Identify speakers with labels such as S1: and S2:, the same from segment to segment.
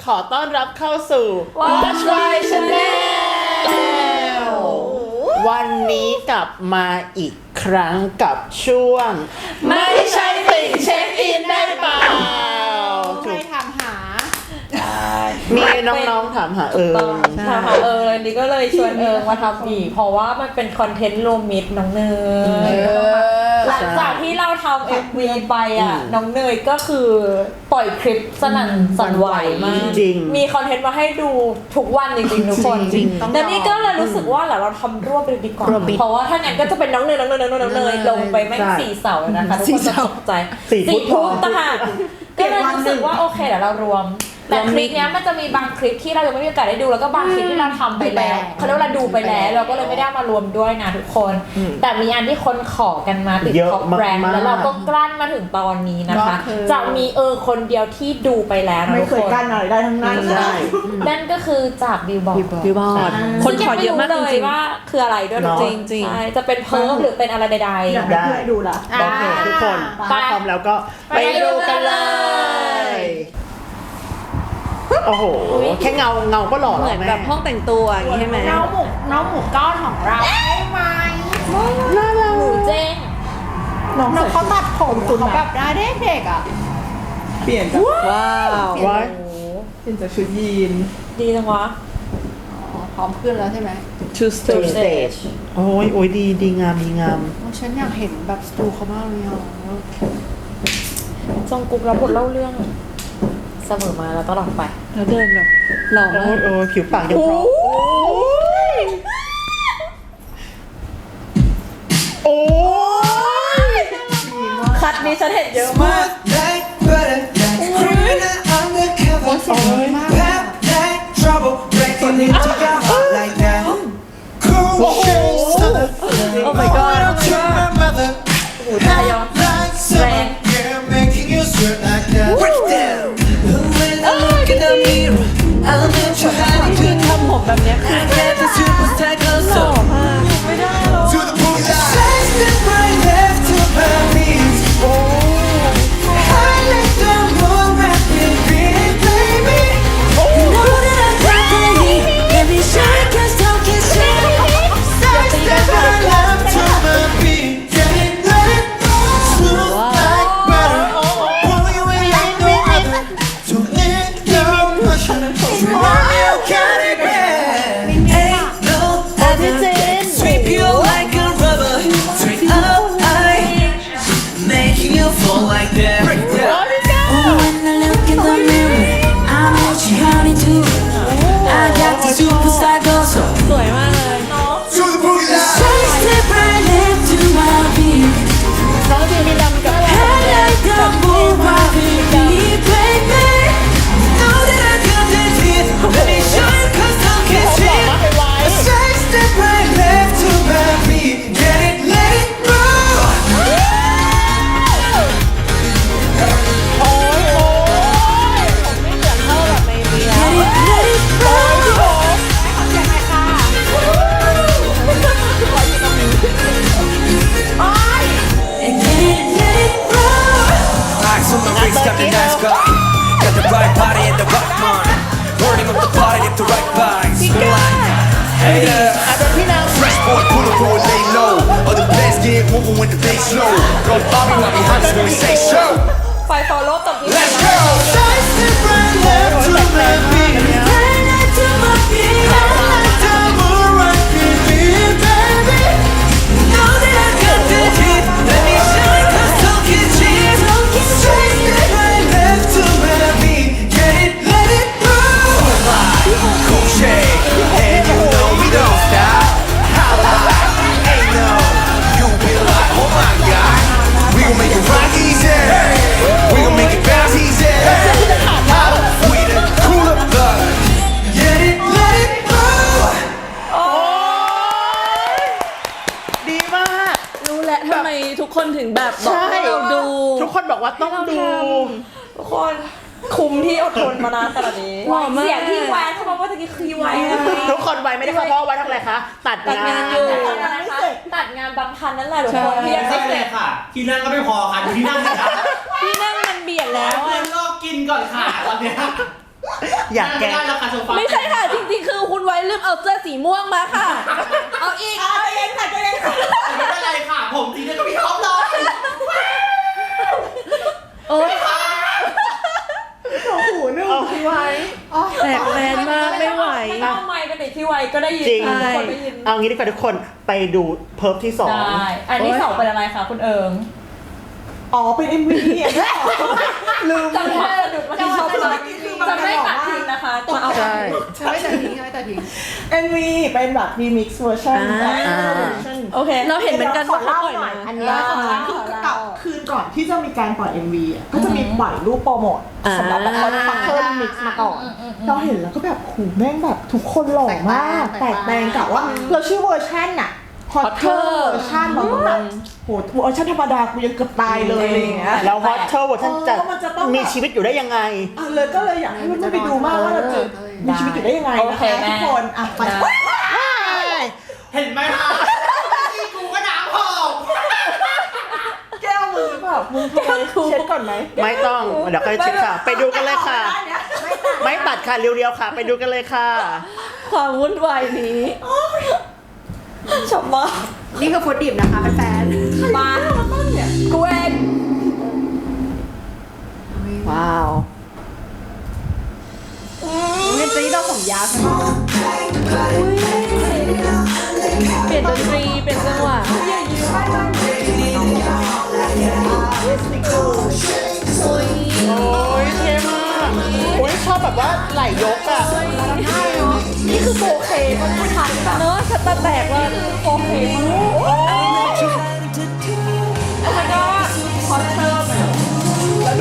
S1: อต้อนรับเข้าสู่ Watch My Channel วันนี้กลับมาอีกครั้งกับช่วงไม่ใช่ติ่งเช็คอินได้เปล่า
S2: ใครถามหา
S1: มีน้องๆถามหา
S3: ถามหาอันนี้ก็เลยชวนมาทำอีกเพราะว่ามันเป็นคอนเทนต์รวมมิตรน้องเนยหลังจากที่เราทำ MV ไปอ่ะน้องเนยก็คือปล่อยคลิปสนั่นสั่นไหวมากมีคอนเทนต์มาให้ดูทุกวันจริงๆทุกคนแต่นี่ก็เลยรู้สึกว่าเราทำรวบเลยดีกว่าเพราะว่าถ้างั้นก็จะเป็นน้องเนยลงไปแม่ง4 เสาเลยนะคะทุกคนจะตกใจ4 พุทธต่างหากก็เลยรู้สึกว่าโอเคเดี๋ยวเรารวมแต่คลิปนี้มันจะมีบางคลิปที่เรายังไม่มีโอกาสได้ดูแล้วก็บางคลิปที่เราทำไปแล้วเขาเรียกว่าเราดูไปแล้วเราก็เลยไม่ได้มารวมด้วยนะทุกคนแต่มีอันที่คนขอกันมาติดท็อปแบรนด์แล้วเราก็กลั้นมาถึงตอนนี้นะคะจะมีคนเดียวที่ดูไปแล้วนะทุกคน
S2: ไม่เคยกั้นอะไรได้ทั้งนั้น
S3: นั่นก็คือจากบิลบอร์ดคนขอเยอะมากจริงๆว่าคืออะไรด้วยจริงๆจะเป็นเพิร์ฟหรือเป็นอะไรใดๆ
S2: อยากให้ดูล่ะ
S1: โอเคทุกคนพร้อมแล้วก็ไปดูกันเลยโอ้โหแค่เงาก็หล่อ
S4: เหมือนแบบห้องแต่งตัวอย่างนี้ใช่ไหม
S2: น้องหมูก้อนของเราได้ไหม
S3: หมูเจ้ง
S2: น้องเขาตัดผมเขาแบบได้เด็กอ่ะ
S4: เปลี่ยนจากว้าว
S1: เป
S4: ลี่ยนจากชุดยีน
S3: ดีจังวะ
S2: พร้อมขึ้นแล้วใช่ไหม
S4: Two stage
S1: โอ้ยดีงาม
S2: ฉันอยากเห็นแบบสตูเขามากเลยอ่ะ
S3: จงกุ๊กรับบทเล่าเรื่องเสมอมาแล้วตลอดไป
S4: แล้วเดินแบบหล่อมาก
S1: ผิวปากยังเพราะโอ้ย
S3: คัดนี้ฉันเห็นเยอะมาก
S1: โอ้
S3: my god โอ้ทายอนแรงคือทำผมแบบนี้คือแค่จะชื่อผู้ชายก็หล่อมากไม่ได้หรอกสวยมากเลยน้องจริงมีลำกับ
S5: Got the right body and the right mind Burning up the party with the right vibes Hey Fresh boy pull up or lay low Other players get moving when the bass low Go Bobby right behind us when we say show
S3: ไฟฟอลโล่ตบนี้
S5: Let's go Side step right left to my beat Right left to my beat Right left to my beat baby Know that I got the hit Let me shine cause don't get cheap Side step right left to my beat Get it, let it move Cool shade And you know we don't stop Holla Ain't no You be like oh my god We gon' make it rock easy We gon' make it bounce easy We the cool up blood Get it, let it move
S1: ดีมาก
S4: รู้แล้วทำไมทุกคนถึงแบบบอกให้เราดู
S1: ทุกคนบอกว่าต้องดู
S3: ทุกคนคุ้มที่อดทนมานานขนาดนี้เสียงที่แวะเขาบอกว่าตะกี้คือแวะ
S1: ทุกคนไวไม่ได้เพราะว่าทำอะไรคะตัดงาน
S3: อยู่ตัดงานบางคันนั่นแหละทุกคนที่ยังไม่เสร็จ
S6: ค่ะที่นั่งก็ไม่พอค่ะที่นั่งนะคะ
S3: ที่นั่งมันเบียดแล้ว
S6: เพื่อนก็กินก่อนค่ะตอนเนี้ย
S1: อยากแกล้ง
S6: ราคาโซฟา
S4: ไม่ใช่ค่ะ จริงๆ คือคุณไว้ลืมเอาเสื้อสีม่วงมาค่ะ เอาอีก
S2: ใจเย็นค่ะใจเย็นค่ะ
S6: ไม่เป็นไรค่ะ ผมสีเดียวกับพี่ท็อปเลย
S4: โอ๊ย
S2: หูนึ่งพี่ไว้
S4: แตกแมนมากไม่ไหว
S3: ถ้าเอาไมค์ไปติดที่ไวก็ได้ยิน
S1: จริง
S3: ทุกคนได้ยิน
S1: เอางี้ดีกว่าทุกคนไปดูเพิร์ฟที่ 2
S3: ได้อันที่สองเป็นอะไรคะคุณเอิง
S2: อ๋อเป็น MV เนี่ยลืม
S3: จำได้สะดุดมาที่ชอบเลยจำได้ตัดทิ้งนะคะมาเอา
S1: ใช่
S2: ไม่แต่ทิ้งไม่แต่ทิ้ง MV เป็นแบบ remix version
S4: โอเค เราเห็นเหมือนกันว่าเขาปล่อยมา
S2: อันนี้ของฉันคือกับคืนก่อนที่จะมีการปล่อย MV อ่ะก็จะมีปล่อยรูปโปรโมทสำหรับแบบเขาฟังเพิ่ม remix มาก่อนเราเห็นแล้วก็แบบโหแม่งแบบทุกคนหล่อมากแตกแตงกับว่าเราชื่อเวอร์ชันอะHotter เวอร์ชันเราต้องแบบโหเวอร์ชันธรรมดากูยังเกือบตายเลยอะไรอย่างเงี้ย
S1: แล้วฮอตเทอร์เวอร์ชันจะ
S2: มันจะต้องแบบ
S1: มีชีวิตอยู่ได้ยังไง
S2: เลยก็เลยอยากให้มันไปดูมากว่าเราจะมีชีวิตอยู่ได้ยังไงนะคะทุกคนอ่ะไป
S6: เห็นไหมคะนี่กูก็น้ำหอม
S2: แก้วมือแบบมึงทำไมเช็ดก่อนไหม
S1: ไม่ต้องเดี๋ยวค่อยเช็คค่ะ ไปดูกันเลยค่ะ ไม่ตัดค่ะเรียวๆค่ะ ไปดูกันเลยค่ะ
S4: ความวุ่นวายนี้
S3: ชอบมาก
S2: นี่คือฟุตดิบนะคะแฟน
S3: มากูเอง
S4: ว้าว
S2: เนี่ยจะนี่เราผมยาวใช่ไหม
S4: เปลี่ยนดนตรีเป็นจังหวะ
S1: โอ้ยเท่มากโอ้ยชอบแบบว่าไหลยกอ่ะ
S2: นี่คือโฟเคมันผู้ชายแบบ
S4: เนอะสตาร์แตกว่า
S3: โอเคมากโอ้ my god ฮอตเตอร์แบบ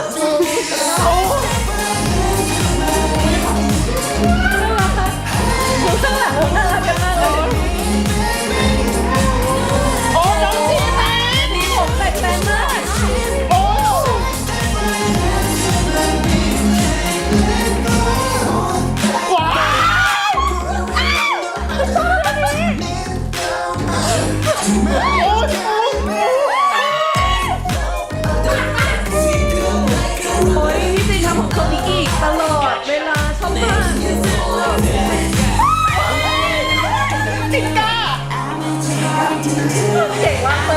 S4: ดูข้างหลังน่ารักกันมากเลย
S1: โอ้น้องจีแมน
S4: มีผมแตกแตนมาก
S1: โอ้ว้าว
S4: โอ้ยพี่จีทำของเขานี้อีกตลอดเวลาชอบมาก
S1: จิงก้า
S4: เก่งมากเลย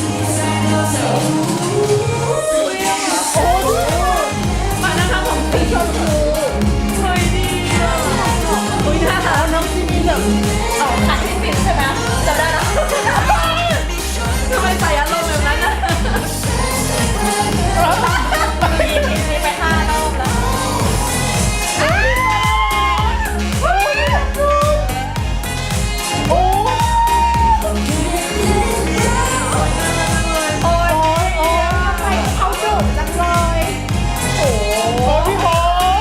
S4: มานะคะของสีชมพูเฮ้ยดีอ่ะอุ้ยน่ารักน้องจีมีแบบ
S3: เอาขัดที่สิบใช่ไหมจำได้แล้ว
S4: ทำไมใส่อารมณ์แบบนั้นนะ
S3: มีไป5 รอบแล้ว
S1: โอ้
S3: โอ้ย
S2: เขาดุจังเลย
S1: โอ้พี่โบ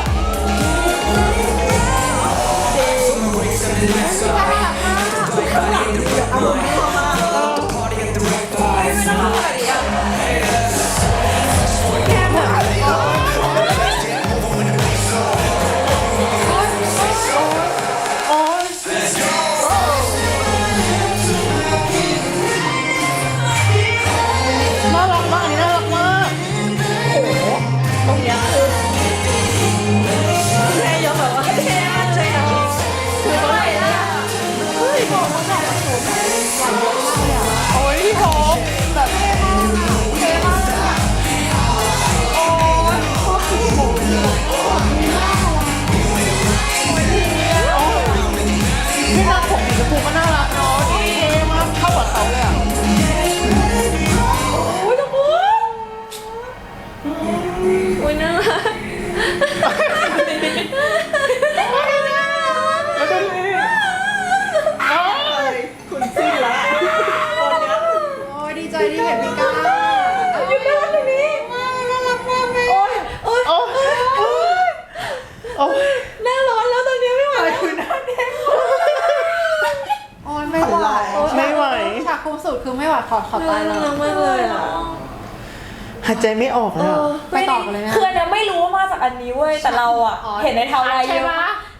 S1: น่ารักมากอันนี้น่ารักมาก
S4: ตรงเนี้ยคือแม่ยกแบบว่าเท่มากเลยอ่ะคือตรงไหนอ่ะ
S1: โอ้ยพี่โบแบบพี่นักผมสีชมพูก็น่ารักเนาะเท่มากเข้ากับเขาเลยอ่ะ
S4: อุ้ยทุกคนอุ้ยน่ารัก
S1: แล้วดูดิอ้าว
S2: คุณซี่ละคนเนี้ยโอ้ยดีใจที่เห็นพี่ก้าอยู่ด้านนี้น่ารักมากเลย
S4: โอ้ยโอ้ย
S1: โอ้ยโอ้ย
S4: หน้าร้อนแล้วตอนนี้ไม่ไหวแล้ว
S2: คือหน้าแดงโอ้ยไม่ไหว
S1: ไม่ไหว
S2: ฉากคุ้มสุดคือไม่ไหวขอตาย
S4: น่า
S2: แล้
S4: รั
S2: ว
S4: กมากเลยอ่ะ
S1: หายใจไม่ออกเลยอะ
S2: ไปต่อกันเลยไหม
S3: คืออันเนี้ยไม่รู้ว่ามาจากอันนี้เว้ยแต่เราอ่ะ
S2: อ๋อ
S3: เห็นในทาวไลน์เยอะ
S2: ใช่ปะ
S3: ใช่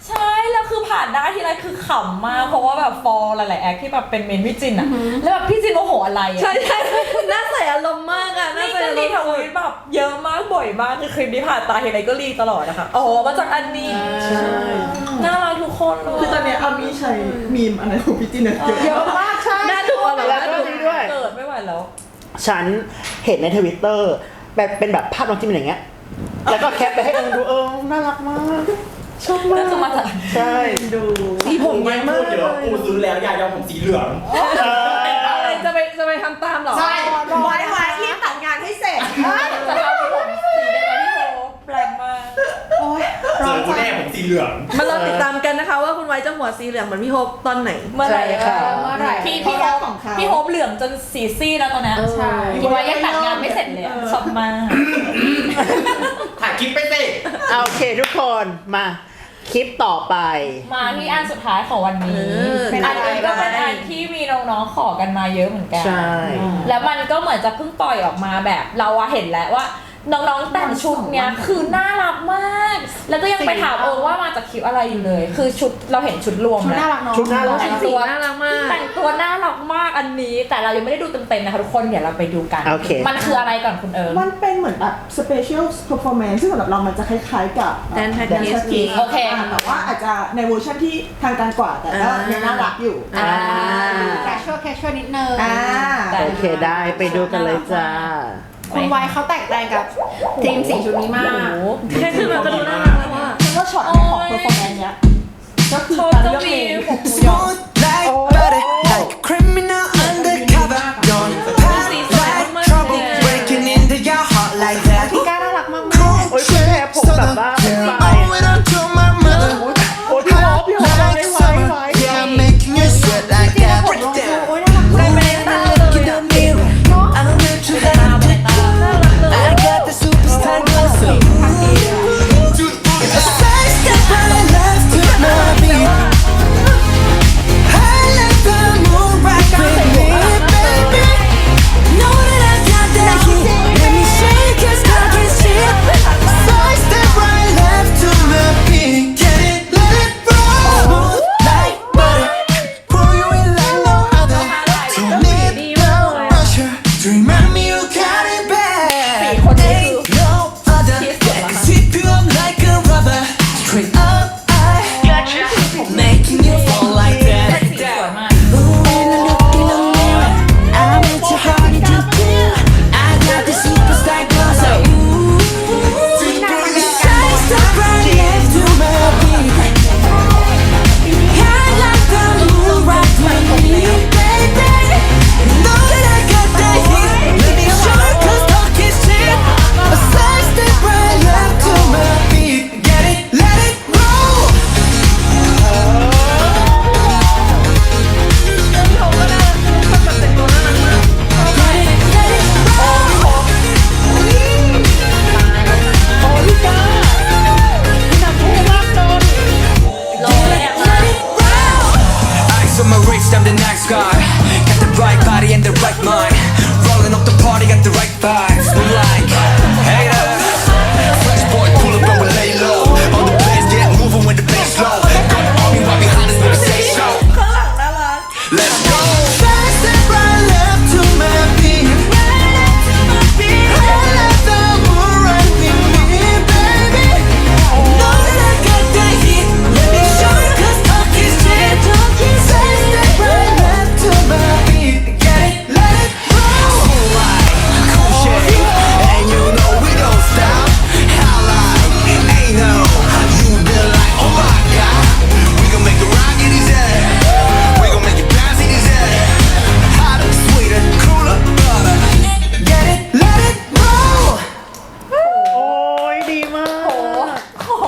S3: แล้วคือผ่านได้ทีไรคือขำมากเพราะว่าแบบฟอร์หลายๆแอคที่แบบเป็นเมนพี่จินอะแล้วแบบพี่จินโมโหอะไรอะ
S4: ใช่ใช่น่าใส่อารมณ์มากอะน่า
S3: นี่
S4: ใส่
S3: ก็
S4: อาร
S3: รี
S4: มณ์
S3: ทวิตแบบเยอะมากบ่อยมากคือคลิปนี้ผ่านตาทีไรก็รีตลอดนะคะอ๋อมาจากอันนี้
S1: ใช่
S3: น่ารักทุกคนเลย
S2: คือตอนเนี้ยอามีใช้มีมอะไรของพี่จินเนี่ยเยอะมากใช่
S4: น่าดูเหรอ
S1: แล้ว
S4: น่า
S1: ก็
S4: ดู
S1: มีด้วย
S3: เกิดไม่ไหวแล้ว
S1: ฉันเห็นในทวิตเตอร์แบบเป็นแบบภาพน้องจิมอย่างเงี้ย แล้วก็แคปไปให้เอิงดูน่ารักมาก ชอบมาก
S3: น่าจะมาจาก
S1: ใช่
S2: ดู
S6: สีผมไม่พูดเดี๋ยวกูซื้อแล้วยายอมผมสีเหลือง
S4: อะไรจะไปทำตามเหรอ
S6: ใช่
S2: ไว้รีบตัดงานให้เสร็จ
S3: จะทำผมสีได้ไหมพี่โทแปลกมาก
S2: โอ๊ย
S6: เจอกูแน่ผมสีเหลือง
S4: มาเราติดตามกันนะคะว่าคุณไว้จะหัวสีเหลืองเหมือนพี่โฮปตอนไหน
S3: เมื่อไหร่
S1: ใช่ค่ะ
S3: เมื่อไหร่พี่
S2: พี่
S3: โฮ
S2: โฮ
S3: ป
S2: ปของเขา
S3: พี่โฮปเหลืองจนสีซี่แล้วตอนเนี้ย
S4: ใช่
S3: คิดว่ายังตัดงานไม่เสร็จเลยอะชอบมาก
S6: ถ่ายคลิปไปสิ
S1: โอเคทุกคนมาคลิปต่อไป
S3: มาที่อันสุดท้ายของวันนี้
S4: เป็น
S3: อั
S4: อะ
S3: น
S4: ไร
S3: นี้ก็เป็นอันที่มีน้องๆขอกันมาเยอะเหมือนกัน
S1: ใช่
S3: แล้วมันก็เหมือนจะเพิ่งปล่อยออกมาแบบเราอะเห็นแล้วว่าน้องๆแต่งชุดเนี้ยคือน่ารักมาก แล้วก็ยังไปถามว่ามาจากคลิปอะไรอยู่เลย คือชุดเราเห็นชุดรวมแล้ว
S1: ชุดน่ารัก
S3: แต่ง
S4: สี
S3: ตัว
S4: น่ารักมาก
S3: แต่งตัวน่ารักมากอันนี้ แต่เรายังไม่ได้ดูเต็มๆนะคะทุกคนเดี๋ยวเราไปดูกัน
S1: โอเค
S3: มันคืออะไรก่อนคุณเอิร์
S2: มันเป็นเหมือนแบบ special performance ซึ่งสำหรับเรามันจะคล้ายๆกับ
S4: Dan Patrick
S2: Dan Patrick
S3: โอเค
S2: แต่ว่าอาจจะในเวอร์ชันที่ทางการกว่าแต่ก็ยังน่ารักอยู่
S3: อ่า
S7: casual นิดนึง
S1: โอเคได้ไปดูกันเลยจ้า
S7: คุณไวเขาแตกต่างกับทีมสีชุดนี้มาก
S4: แค่ขึ้นมาก็ดูน่ารักแล้วว่า
S2: ก็ช็อตของ performance เนี้ยก็คือการเลือกเพลง
S5: Smooth like butter, like a criminal undercover. Don't pop like trouble, breaking into your heart like that.
S7: พี่ก้าน่ารักมาก
S1: โอ้ยคุณแม่ผมแบบว่าเป็นไฟ
S5: Owe it on to my mother.
S1: โอ้ยพี่โฮปไว้
S5: Like summer, yeah, I'm making you sweat like that. Break it down.
S7: โอ้ยน่ารักมาก
S5: Look in the mirror, I know that you have it. I got the superstar glow, so a side step right left to my beat. I like the moon rock with me, baby. Know that I got that heat. Let me shake your stocking shit. Side step right left to my beat. Get it, let it roll. Smooth like butter, pour you in like no other. Don't need no pressure to remind me you got it bad. Ain't no other that can sweep you up like a rubber. Straight up, I gotcha. Making you fall like that.
S3: สวยมาก
S5: Ooh, when I look in the mirror, I want your heart to do. I got the superstar glow, so ooh. Shine so bright left to my beat. I like the moon rock with me, baby. Know that I got that heat. Let me show you 'cause talk is cheap. A side step right left to my beat. Get it, let it roll.
S3: ลงเลยอะ
S5: Ice on my wrist, I'm the nice guy. Got the right body and the right mind. Rolling up the party, got the right vibes. We're like haters. Fresh boy, pull up and we lay low. All the players get moving when the bass low. Got the army right behind us when we say so.
S3: ข้างหลังน่ารัก
S5: Let's go. Fast step right left to my beat. I let the moon rock with me, baby. Know that I got that heat. Let me show you 'cause talk is cheap. Fast step right left to my beat. Get it, let it roll. Cool like cool shit, and you know we don't stop. How like ain't no, you be like oh my god. We gon' make it rock in his head. We gon' make it bounce in his head. Hotter, sweeter, cooler, butter. Get it, let it roll.
S1: โอ้ยดีมาก
S3: โอ้โห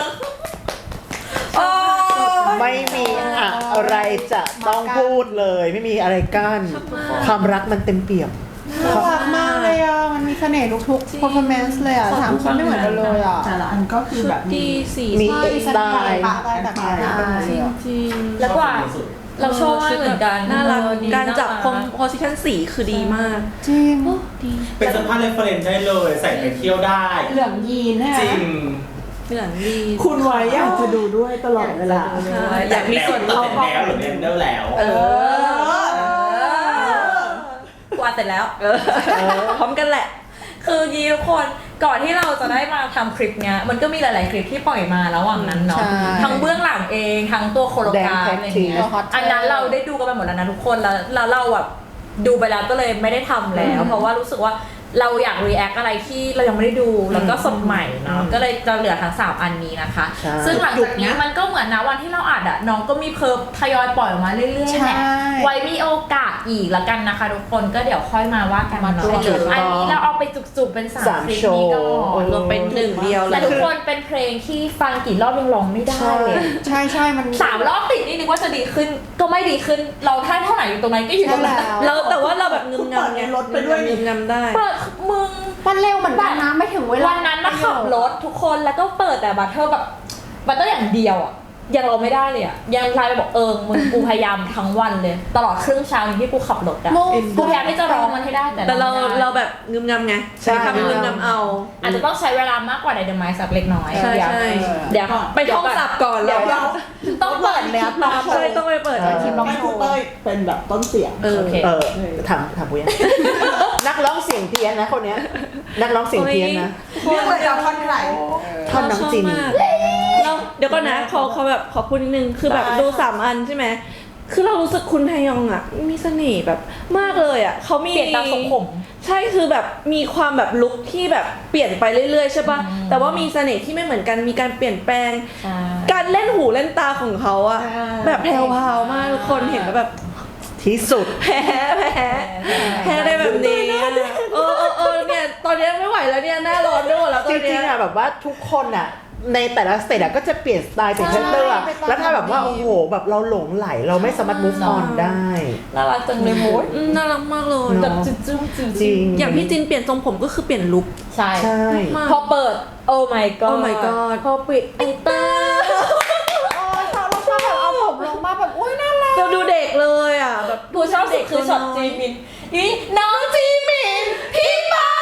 S3: เออ
S1: ไม่มีอะไรจะต้องพูดเลย ไม่มีอะไรกั้นความรักมันเต็มเปี่ยม
S7: น่ารักมากเลยอ่ะ มันมีเสน่ห์ทุกๆ performance เลยอ่ะสามคนไม่เหมือนกันเลยอ่ะ
S2: แต่ละอันก็คือแบบ
S4: ดีสี
S1: มี
S7: ใช่
S1: เอ็กซ์ได้
S7: อะไรแบบนี้นะ
S4: จริง
S3: แล้วกว่าเราชอบมากเหมือนกัน
S4: น่ารัก
S3: ดี
S4: การจับ
S3: น่
S4: คอมโพสิชันสีคือดีมาก
S7: จริง
S6: เป็นเสื้อผ้าเรฟเฟรนซ์ได้เลย ใส่ไปเที่ยวได้
S7: เหลืองยีนใช่ไหม
S6: จริง
S4: มีหลังดี
S2: คุณไว้อยากจะดูด้วยตลอดเวลา
S4: อยากมีส่วนร่วม
S6: แล้วหรือเรนเดอร์แล้ว
S3: กว่าเสร็จแล้วพร้อมกันแหละ คือยีทุกคนก่อนที่เราจะได้มาทำคลิปเนี้ยมันก็มีหลายๆคลิปที่ปล่อยมาระหว่างนั้นเนาะ
S1: ใช่
S3: ทั้งเบื้องหลังเองทั้งตัวโคโลกราฟอะไรเงี้ยอันนั้นเราได้ดูกันไปหมดแล้วนะทุกคนแล้วเราแบบดูไปแล้วก็เลยไม่ได้ทำแล้ว เพราะว่ารู้สึกว่าเราอยาก react อะไรที่เรายังไม่ได้ดูแล้วก็สดใหม่เนาะก็เลยจะเหลือทั้ง3อันนี้นะคะ
S1: ใช่
S3: ซึ่งหลังจากนี้มันก็เหมือนนะวันที่เราอัดอะน้องก็มีเพิ่มทยอยปล่อยออกมาเรื่อยๆแหละไว้มีโอกาสอีกละกันนะคะทุกคนก็เดี๋ยวค่อยมาว่ากันเนาะอันนี้เราเอาไปจุกๆเป็น3คลิปนี้ก่อน
S4: รวมเป็นหนึ่งเดียวเล
S3: แต่
S4: ย
S3: ทุกคนเป็นเพลงที่ฟังกี่รอบยังร้องไม่ได้เลย
S7: ใช่ใช่มัน
S3: 3 รอบติดนี่นึกว่าจะดีขึ้นก็ไม่ดีขึ้นเราท่าเท่าไหร่อยู่ตรงนั้นก็อยู่ตรงนั้น
S4: เราแต่ว่าเราแบบงึมงำไง
S2: รถไปด้วยนี่
S4: งึมงำได้
S3: เปิดมึง
S7: มันเร็วเหมือนกันนะไม่ถึงเวลา
S3: วันนั้นนะขับรถทุกคนแล้วก็เปิดแต่บัตเทอร์แบบบัตเตอร์อย่างเดียวอ่ะยังเราไม่ได้เลยอ่ะยังไลน์ไปบอกมึงกูพยายามทั้งวันเลย ตลอดครึ่งเช้าที่กูขับรถอ่ะกูพยายามที่จะร้องมันให้ได้แต่
S4: แต่เรา
S3: ไม่ได้
S4: เราแบบงึมงำไงใช้คำงึมงำเอา
S3: อาจจะต้องใช้เวลามากกว่าในเดอะไมซ์สักเล็กน้อย
S4: ใช่
S3: เดี๋ยว
S4: ใช่
S3: เดี๋ยว
S4: ไปท่องศัพท์ก่อน
S3: เดี๋ยว
S4: แล้ว
S3: ต้องเปิดแล้วตาม
S4: ใช่ต้องไปเปิด
S1: เออ
S4: คลิปร้อง
S2: ให้
S4: โช
S2: คุณ
S4: ว์
S2: เต้ยเป็นแบบต้นเสียง
S3: โอเค
S1: ถามปุ้ย นักร้องเสียงเพี้ยนนะคนเนี้ยนักร้องเสียงเพี้ยนนะ
S2: เรื่องอะไรกับท่อนไหน
S1: ท่อนน้ำจิน
S4: เราเดี๋ยวก่อนนะเขาแบบขอพูดนิดนึงคือแบบดู3 อันใช่ไหมคือเรารู้สึกคุณไทยองอ่ะมีเสน่ห์แบบมากเลยอ่ะเขามี
S3: เปลี่ยนตามทรงผม
S4: ใช่คือแบบมีความแบบลุคที่แบบเปลี่ยนไปเรื่อยๆใช่ปะแต่ว่ามีเสน่ห์ที่ไม่เหมือนกันมีการเปลี่ยนแปลง การเล่นหูเล่นตาของเขาอะแบบแพรวๆมากทุกคนเห็นแล้วแบบ
S1: ที่สุด
S4: แพ้ได้แบบนี้อะเนี่ยตอนนี้ไม่ไหวแล้วเนี่ยหน้าร้อนด้วยหมดแล้วต
S1: จ
S4: อน
S1: ริ
S4: เนี้
S1: ง
S4: ย
S1: ๆอะแบบว่าทุกคนอะในแต่ละสเตจอะก็จะเปลี่ยนสไตล์เป็นเซนเตอร์อะแล้วถ้าแบบว่าโอ้โหแบบเราหลงไหลเราไม่สามารถ move on ได้
S3: น่ารักจังเลยโมด
S4: น่ารักมากเลย
S1: เนอะ
S3: แบบจุ๊บๆจุ๊บ
S1: จริง
S4: อย่างพี่จินเปลี่ยนทรงผมก็คือเปลี่ยนลุค
S3: ใช่
S1: ใช่
S4: มาก
S3: พอเปิด โอ้ my god
S4: Oh my god
S3: พอปิดไอเตอร์
S7: เราชอบแบบเอาผมลงมาแบบอุ้ยน่ารัก
S4: เราดูเด็กเลยอ่ะแบบ
S3: กูชอบสุดคือช็อตจีมินนี่น้องจีมินพี่ป๊า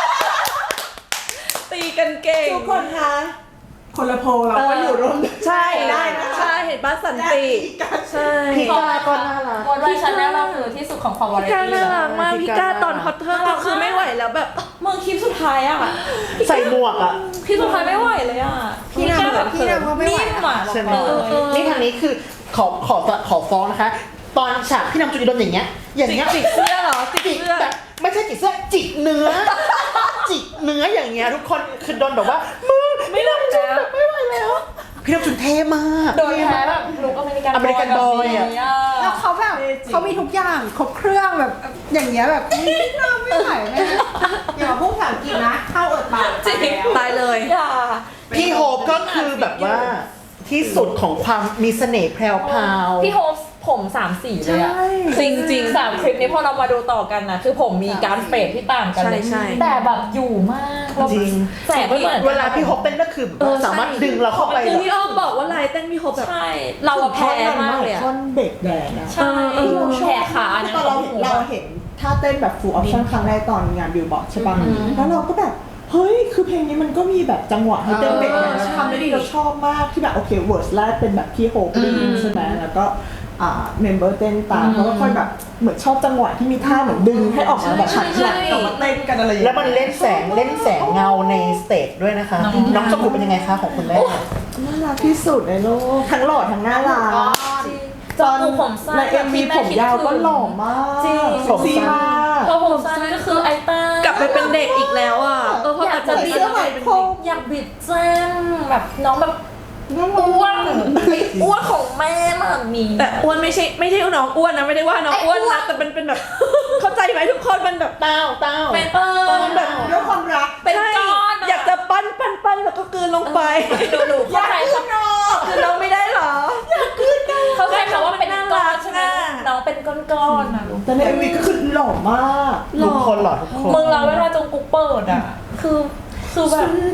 S4: ตีกันเก่ง
S2: ทุกคนคะคนละโพลเราก็อยู่ร่วม
S4: ใช่
S2: ได้นะ
S4: ใช่เห็นบ้านสันติใช่
S1: พี่ก้าก็น่ารัก
S3: วันวันฉันแล้วเราคือที่สุดของความวาไร
S4: พี่ก้า
S3: ตี้
S4: น่ารักมาก
S1: พี่
S4: พี่
S1: ก้า
S4: ก้าตอนฮอตเทอร์ก็คือไม่ไหวแล้วแบบ
S3: มึงคลิปสุดท้ายอ่ะ
S1: ใส่หมวกอะ
S3: คลิปสุดท้ายไม่ไหวเลยอ่ะ
S7: พี่นางแบบพี่นางก็ไม่ไหว
S3: นิ่มอ่ะ
S1: ใช่ไหม
S3: บอกเลย
S1: นี่ทางนี้คือขอฟ้องนะคะ ตอนฉากพี่นำจุดโดนอย่างเงี้ย
S4: จิกเสื้อเหรอจิก
S1: จิก
S4: เสื้อ
S1: แบบไม่ใช่จิกเสื้อจิกเนื้อ จิกเนื้ออย่างเงี้ยทุกคนคือโดนแบบว่ามือพี่นำจุดแบบไม่ไหวแล้วพี่นำจุดเท่มาก
S3: โดนแพ้แบบลุกอเมริกัน
S1: อเมริกันบอยอะ
S3: แบบนี้
S7: แล้วเขาแบบเขามีทุกอย่างครบเครื่องแบบอย่างเงี้ยแบบพี่นางไม่ไหวแม่
S2: อย่าพูดภาษาอังกฤษนะเข้าอดปาก
S3: จริง
S4: ตายเลย
S3: อย่า
S1: พี่โฮปก็คือแบบว่าที่สุดของความมีเสน่ห์แพรวพราว
S3: พี่โฮปผม3 สีเลยอะจริงๆ3คลิปนี้พอเรามาดูต่อกันนะคือผมมีการเฟดที่ต่างกันเลย
S4: ใช่
S3: แต่แบบอยู่มากแล้ว
S1: จริง
S3: แสบไม่เหมือน
S1: เวลาพี่โฮปเต้นก็คือแบบว่าสามารถดึงเราเข้าไป
S4: คือ
S1: แบบ
S4: พี่อ้อมบอกว่าลายเต้นพี่โฮปแบบ
S3: ใช่เราอะแพ้มากเลยอะ
S2: ท่อนเบรกแดงอะ
S3: ใช่แพ้ขานะ
S2: ตอนเราเห็นท่าเต้นแบบ full option ครั้งแรกตอนงานบิลบอร์ดใช่ป่ะแล้วเราก็แบบเฮ้ยคือเพลงนี้มันก็มีแบบจังหวะให้เต้นเบรกแดงทำได้ดีเราชอบมากที่แบบโอเคเวิร์สแรกเป็นแบบพี่โฮปใช่ไหมแล้วก็เมมเบอร์เต้นตามเขาก็ค่อยแบบเหมือนชอบจังหวะที่มีท่าเหมือนดึงให้ออกมาแบบหันหลังออกมาเต้นกันอะไรอย่าง
S1: แล้
S2: เงี้
S1: วย มันเล่นแสงเงาในสเตจด้วยนะคะ น้องจมูกเป็นยังไงคะของคุณแม่
S2: น่ารักที่สุดในโลกทั้งหล่อทั้งน่ารัก
S3: จอกูผมสั้น
S2: ใน MV ผมยาวก็หล่อมาก
S3: จริง
S2: เซ็กซี่มาก
S3: พอผมสั้นก็คือไอต้าก
S4: ลับไปเป็นเด็กอีกแล้วอ่ะเพราะ
S3: อยากจะ
S4: แบบ
S3: บิด
S2: เสื้อไหมพรม
S3: อยากบิดแจ้งแบบน้องแบบ
S2: น่ารัก
S3: อ้วนอ้วนของแม่มันมี
S4: แต่อ้วนไม่ใช่น้องอ้วนนะไม่ได้ว่าน้องอ้วนนะแต่เป็นแบบ เข้าใจไหมทุกคนมันแบบ
S1: เต้า
S3: เป็น
S4: แบบ
S2: ด้วยความรัก
S3: เป็นก้อน
S4: อยากจะปั้นแล้วก็กลืนลงไป
S3: หนูเข้าใจคำ
S4: คือน้องไม่ได้เหรอ
S3: เข้าใจคำว่าเป็นก้อนใช่ไหมน้องเป็นก้อนๆนะลูก
S2: แต่ใน MV ก็คือหล่อมาก
S1: ทุกคนหล่อทุกคน
S3: มึงเราเวลาจงกุ๊กเปิดอ่ะคือแบบ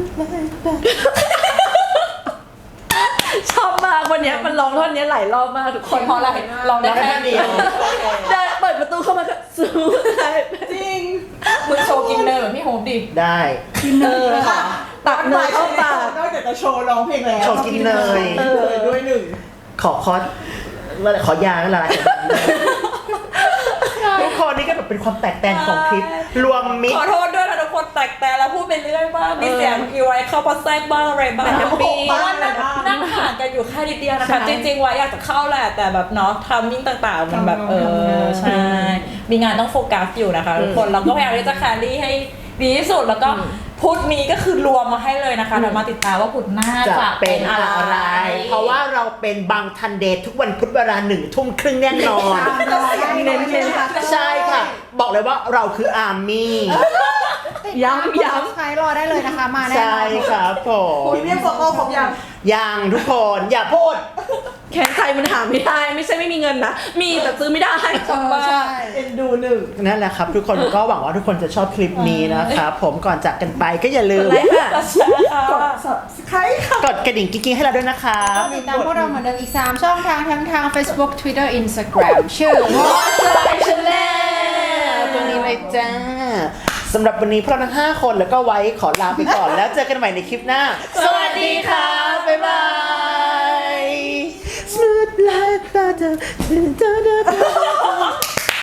S4: ชอบมากวันเนี้ยมันร้องท่อนเนี้ยหลายรอบมากทุกคน
S3: เพราะอะไรลองได้แค่เดียว
S4: เดินเปิดประตูเข้ามาก็สู้ได้
S2: จริง
S3: มึงโชว์กินเนอร์พี่โฮมดิ
S1: ได้
S4: ตักเนยเข้าปาก
S2: นอกจากจะโชว์ร้องเพลงแล้ว
S1: โชว์กินเนย
S2: ด้วยหนึ่ง
S1: ขอยาแล้วละทุกคนนี่ก็แบบเป็นความแตกแตนของคลิป รวมมิต
S3: ข
S1: ร
S3: อโทษด้วยนะทุกคนแตกแต่แล้วพูดไปเรื่อยมากมีเสียงอีไว้เข้ามาแทรกบ้างอะไรบ้าง
S4: แต่แฮปปี้
S3: เพราะว่านั่งห่างกันอยู่แค่นิดเดียวนะคะจริงๆไว้อยากจะเข้าแหละแต่แบบเนาะทำมิ่งต่างๆมันแบบใช่มีงานต้องโฟกัสอยู่นะคะทุกคนเราก็พยายามที่จะแครี่ให้ดีที่สุดแล้วก็พุธนี้ก็คือรวมมาให้เลยนะคะเดี๋ยวมาติดตามว่าพุธหน้า
S1: จะ
S3: จะ
S1: เป็นอะไร เพราะว่าเราเป็นบางทันเดททุกวันพุธเวลา1 ทุ่มครึ่งแน่นอน
S2: เน้นๆค่ะ
S1: ใช่ค่ะ บอกเลยว่าเราคืออาร์มี่
S4: ย้ำ
S7: ใช้รอได้เลยนะคะ มาแน่น
S1: ใช่
S7: อน
S1: ครับผม
S2: พรีเมียมโฟโต้ครบยัง
S1: ยังทุกคนอย่าพูด
S4: แค่ใครมันหาไม่ได้ ไม่ใช่ไม่มีเงินนะ มีแต่ซื้อไม่ได้
S7: ใช่
S2: เอ็นดูหนึ่ง
S1: นั่นแหละครับทุกคนก็หวังว่าทุกคนจะชอบคลิปนี้นะครับผมก่อนจากกันไปก็อย่าลืม
S4: เลยค่ะ
S2: กด subscribe ค่ะ
S1: กดกระดิ่งกิ๊งๆให้เราด้วยนะครับ
S7: ติดตามพวกเราเหมือนเดิมอีก 3 ช่องทางทั้งทาง Facebook Twitter Instagram ชื่อว่า
S1: ตรงนี้เลยจ้าสำหรับวันนี้พวกเราทั้ง5 คนแล้วก็ไว้ขอลาไปก่อน แล้วเจอกันใหม่ในคลิปหน้า สวัสดีค่ะ บ๊ายบาย Smooth like butter